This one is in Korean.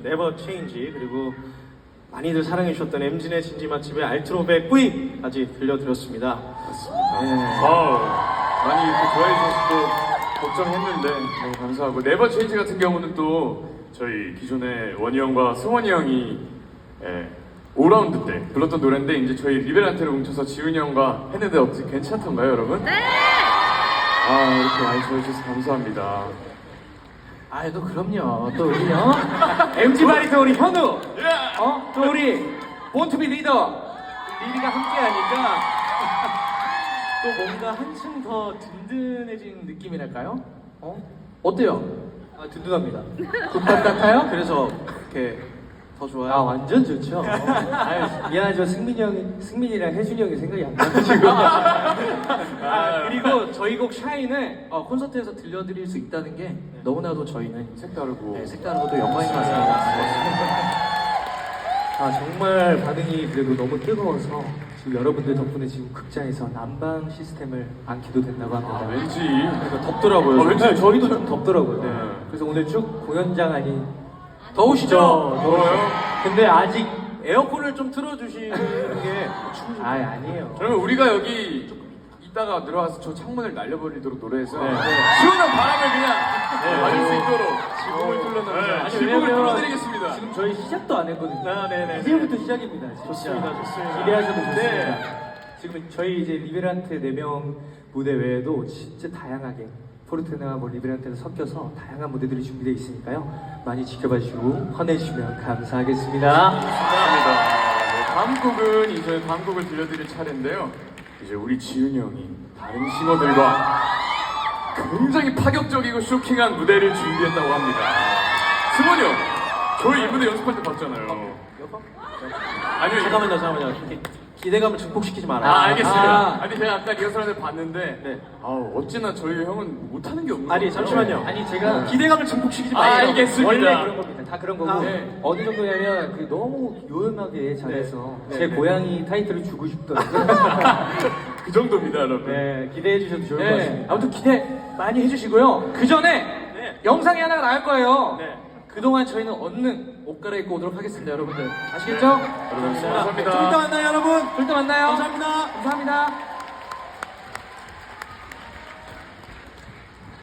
네버 체인지, 그리고 많이들 사랑해주셨던 엠진의 진지 맛집의 알트로베 꾸이까지 들려드렸습니다. 맞습니다. 네. 많이 이렇게 좋아해 주셔서 또 걱정했는데 너무 감사하고, 네버 체인지 같은 경우는 또 저희 기존에 원희 형과 승원이 형이 5라운드 때 불렀던 노래인데, 이제 저희 리베란테를 뭉쳐서 지훈이 형과 했는데 어떻게 괜찮던가요, 여러분? 네! 이렇게 많이 좋아해주셔서 감사합니다. 또 그럼요. 또 우리요. MG 바리터 우리 현우. 또 우리 본투비 리더 리리가 함께하니까 또 뭔가 한층 더 든든해진 느낌이랄까요? 어때요? 든든합니다. 국밥 같아요? 그래서 이렇게 더 좋아요. 완전 좋죠. 미안하죠. 승민이랑 혜준이 형이 생각이 안 나가지고. 그리고 저희 곡 샤인을 콘서트에서 들려드릴 수 있다는 게 너무나도 저희는 색다르고 색다르고 또 영광인 것 같습니다. 정말 반응이 그래도 너무 뜨거워서 지금 여러분들 덕분에 지금 극장에서 난방 시스템을 안 켜도 된다고 합니다. 왠지 그러니까 덥더라고요. 왠지 네, 저희도 좀 덥더라고요. 네. 그래서 오늘 쭉 공연장 안이 더우시죠? 더워요? 근데 아직 에어컨을 좀 틀어주시는 게 아니에요. 그러면 우리가 여기 이따가 들어와서 저 창문을 날려버리도록 노래해서 네. 시원한 바람을 그냥 맞을 수 있도록 지붕을 뚫어놓는 지붕을 왜냐면 뚫어드리겠습니다. 지금 저희 시작도 안 했거든요. 네네. 이제부터 시작입니다. 진짜. 좋습니다. 기대하셔도 좋습니다. 네. 지금 저희 이제 리베란테 4명 무대 외에도 진짜 다양하게 포르테나와 리베란테를 섞여서 다양한 무대들이 준비되어 있으니까요. 많이 지켜봐 주시고 환해주시면 감사하겠습니다. 감사합니다. 네, 다음 곡은 이제 다음 곡을 들려드릴 차례인데요. 이제 우리 지훈이 형이 다른 싱어들과 굉장히 파격적이고 쇼킹한 무대를 준비했다고 합니다. 승원이 형, 저희 이 무대 연습할 때 봤잖아요. 아니요, 잠깐만요. 기대감을 증폭시키지 말아요. 알겠습니다. 아니 제가 아까 리허설을 봤는데 네. 어찌나 저희 형은 못하는 게 없는 아니, 거예요. 잠시만요. 아니 제가 기대감을 증폭시키지 마세요. 알겠습니다. 원래 그런 겁니다. 다 그런 거고 네. 어느 정도냐면 그 너무 요염하게 잘해서 네. 제 네. 고양이 타이틀을 주고 싶더라고요. 그 정도입니다, 여러분. 네, 기대해 주셔도 좋을 것 네. 같습니다. 아무튼 기대 많이 해주시고요. 그 전에 영상이 하나가 나갈 거예요. 네. 그동안 저희는 얼른 옷 갈아입고 오도록 하겠습니다, 여러분들. 아시겠죠? 여러분, 감사합니다. 좀 이따 만나요, 여러분. 좀 이따 만나요. 감사합니다. 감사합니다.